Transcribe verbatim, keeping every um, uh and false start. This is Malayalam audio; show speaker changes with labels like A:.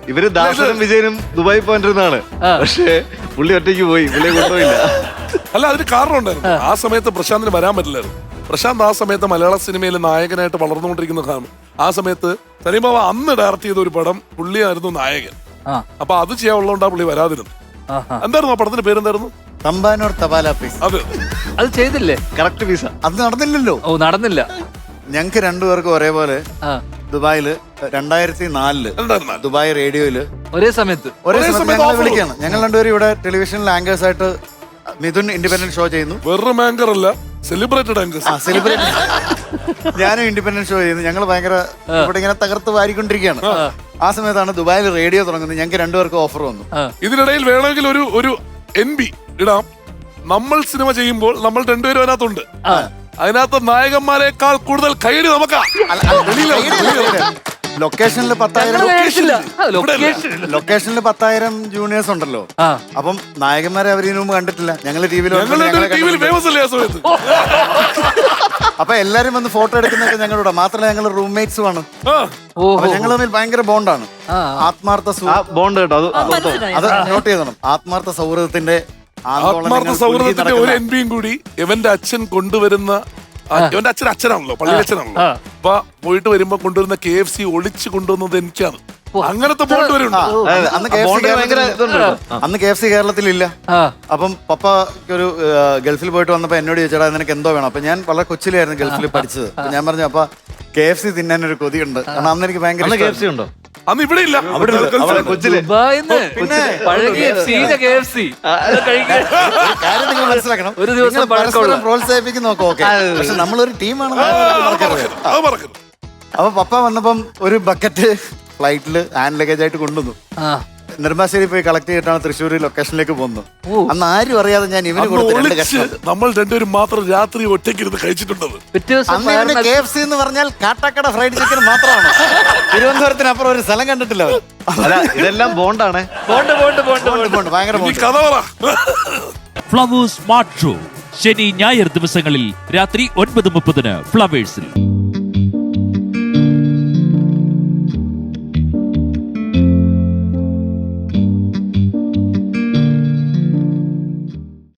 A: ഇവര് ദാസനും വിജയനും ദുബായി പോയിട്ടിരുന്നാണ്. പക്ഷേ പുള്ളി ഒറ്റയ്ക്ക് പോയി, പുള്ളിയെ കൊണ്ടുപോയില്ല.
B: അല്ല, അതിന് കാരണം ഉണ്ടായിരുന്നു. ആ സമയത്ത് പ്രശാന്തിന് വരാൻ പറ്റില്ലായിരുന്നു. പ്രശാന്ത് ആ സമയത്ത് മലയാള സിനിമയിൽ നായകനായിട്ട് വളർന്നുകൊണ്ടിരിക്കുന്ന കാലം. ആ സമയത്ത് സലീം ബാബ അന്ന് ഡയറക്ട് ചെയ്ത ഒരു പടം പുള്ളിയായിരുന്നു നായകൻ. അപ്പൊ അത് ചെയ്യാനുള്ളതുകൊണ്ടാ പുള്ളി വരാതിരുന്നു. എന്തായിരുന്നു ആ പടത്തിന്റെ പേരെന്തായിരുന്നു?
C: തമ്പാനൂർ തപാല പീസ്.
B: അത്
D: അത് ചെയ്തില്ലേ?
A: Correct piece.
C: അത് നടന്നില്ലല്ലോ.
D: ഓ, നടന്നില്ല.
C: ഞങ്ങക്ക് രണ്ടുപേർക്കും ഒരേപോലെ ദുബായില് രണ്ടായിരത്തി നാലില് ദുബായ് റേഡിയോയില്
D: ഒരേ സമയത്ത്
C: ഒരേ സമയത്ത് ഞങ്ങളെ വിളിക്കാണ്. ഞങ്ങൾ രണ്ടുപേരും ഇവിടെ ടെലിവിഷനിൽ ആങ്കേഴ്സ് ആയിട്ട് മിഥുൻ ഇൻഡിപെൻഡന്റ് ഷോ ചെയ്യുന്നു.
B: വെറും ആങ്കർ അല്ല, സെലിബ്രേറ്റഡ് ആങ്കേഴ്സ്.
C: സെലിബ്രേറ്റ് ഞാനും ഇൻഡിപെൻഡന്റ് ഷോ ചെയ്യുന്നു. ഞങ്ങൾ ഭയങ്കര ഇവിടെ ഇങ്ങനെ തകർത്ത് വാരിക്കൊണ്ടിരിക്കുകയാണ്. ആ സമയത്താണ് ദുബായിൽ റേഡിയോ തുടങ്ങുന്നത്. ഞങ്ങൾക്ക് രണ്ടുപേർക്കും ഓഫർ വന്നു.
B: ഇതിനിടയിൽ വേണമെങ്കിൽ ഒരു ഒരു എൻ ബി ഇടാം. നമ്മൾ സിനിമ ചെയ്യുമ്പോൾ നമ്മൾ രണ്ടുപേരും അതിനകത്തുണ്ട്. അതിനകത്ത് നായകന്മാരെക്കാൾ കൂടുതൽ കൈയടി നമുക്കാ.
C: ലൊക്കേഷനിൽ പത്തായിരം ലൊക്കേഷനിൽ പത്തായിരം ജൂനിയേഴ്സ് ഉണ്ടല്ലോ. അപ്പം നായകന്മാരെ അവരിന് മുമ്പ് കണ്ടിട്ടില്ല. ഞങ്ങള് ടി വിയിൽ അപ്പൊ എല്ലാരും വന്ന് ഫോട്ടോ എടുക്കുന്നൊക്കെ ഞങ്ങളുടെ മാത്രമല്ല ഞങ്ങൾ റൂംമേറ്റ്സും ആണ്. അപ്പൊ ഞങ്ങൾ തമ്മിൽ ഭയങ്കര ബോണ്ടാണ്. ആത്മാർത്ഥ
A: ബോണ്ട് കേട്ടോ.
C: അത് നോട്ട് ചെയ്തണം. ആത്മാർത്ഥ സൗഹൃദത്തിന്റെ
B: ആത്മാർത്ഥ സൗഹൃദത്തിന്റെ ഒരു എൻ ബിയും കൂടി ഇവന്റെ അച്ഛൻ കൊണ്ടുവരുന്ന, ഇവന്റെ അച്ഛൻ അച്ഛനാണല്ലോ, പള്ളി അച്ഛനാണല്ലോ. അപ്പൊ പോയിട്ട് വരുമ്പോ കൊണ്ടുവരുന്ന കെ എഫ് സി ഒളിച്ച് കൊണ്ടുവന്നത് എനിക്കാണ്. അങ്ങനത്തെ ബോണ്ട് വരെ ഉണ്ട്.
C: അന്ന് കെ എഫ് സി കേരളത്തിലില്ല. അപ്പം പപ്പ ഒരു ഗൾഫിൽ പോയിട്ട് വന്നപ്പോ എന്നോട് ചോദിച്ചാൽ നിനക്ക് എന്തോ വേണം. അപ്പൊ ഞാൻ വളരെ കൊച്ചിലായിരുന്നു ഗൾഫിൽ പഠിച്ചത്. ഞാൻ പറഞ്ഞു അപ്പൊ കെ എഫ് സി തിന്നാൻ ഒരു കൊതിയുണ്ട്. കാരണം അന്ന് എനിക്ക് ഭയങ്കര
A: കെ എഫ് സി ഉണ്ടോ?
B: അന്ന് ഇവിടെ ഇല്ല.
C: കാര്യം നിങ്ങൾ മനസ്സിലാക്കണം.
D: ഒരു ദിവസം
C: പരസ്പരം പ്രോത്സാഹിപ്പിക്കുന്ന നോക്കാം. ഓക്കെ, പക്ഷെ നമ്മളൊരു ടീമാണ്. അപ്പൊ പപ്പ വന്നപ്പം ഒരു ബക്കറ്റ് ഫ്ലൈറ്റില് ഹാൻഡ് ലഗേജ് ആയിട്ട് കൊണ്ടുവന്നു. നെടുമ്പാശ്ശേരി പോയി കളക്ട് ചെയ്തിട്ടാണ് തൃശ്ശൂർ ലൊക്കേഷനിലേക്ക് പോകുന്നത്. അന്ന് ആരും അറിയാതെ ഞാൻ ഇവന് കൊടുത്തു.
B: നമ്മൾ രണ്ടുപേരും മാത്രം രാത്രി ഒറ്റയ്ക്ക് ഇരുന്ന് കഴിച്ചിട്ടുണ്ടത്.
C: അന്ന് കെ എഫ് സി എന്ന് പറഞ്ഞാൽ കാട്ടാക്കട ഫ്രൈഡ് ചിക്കൻ മാത്രമാണ്. തിരുവനന്തപുരത്തിനപ്പുറം ഒരു സ്ഥലം കണ്ടിട്ടില്ല.
A: അല്ല, ഇതെല്ലാം ബോണ്ടാണ്.
D: ബോണ്ട് ബോണ്ട് ബോണ്ട്
C: ബോണ്ട് ഭയങ്കര
B: കഥ പറ.
E: ഫ്ലവേഴ്സ് സ്മാർട്ട് ഷോ ശനി ഞായർ ദിവസങ്ങളിൽ രാത്രി ഒൻപത് മുപ്പതിന് ഫ്ലവേഴ്സിൽ.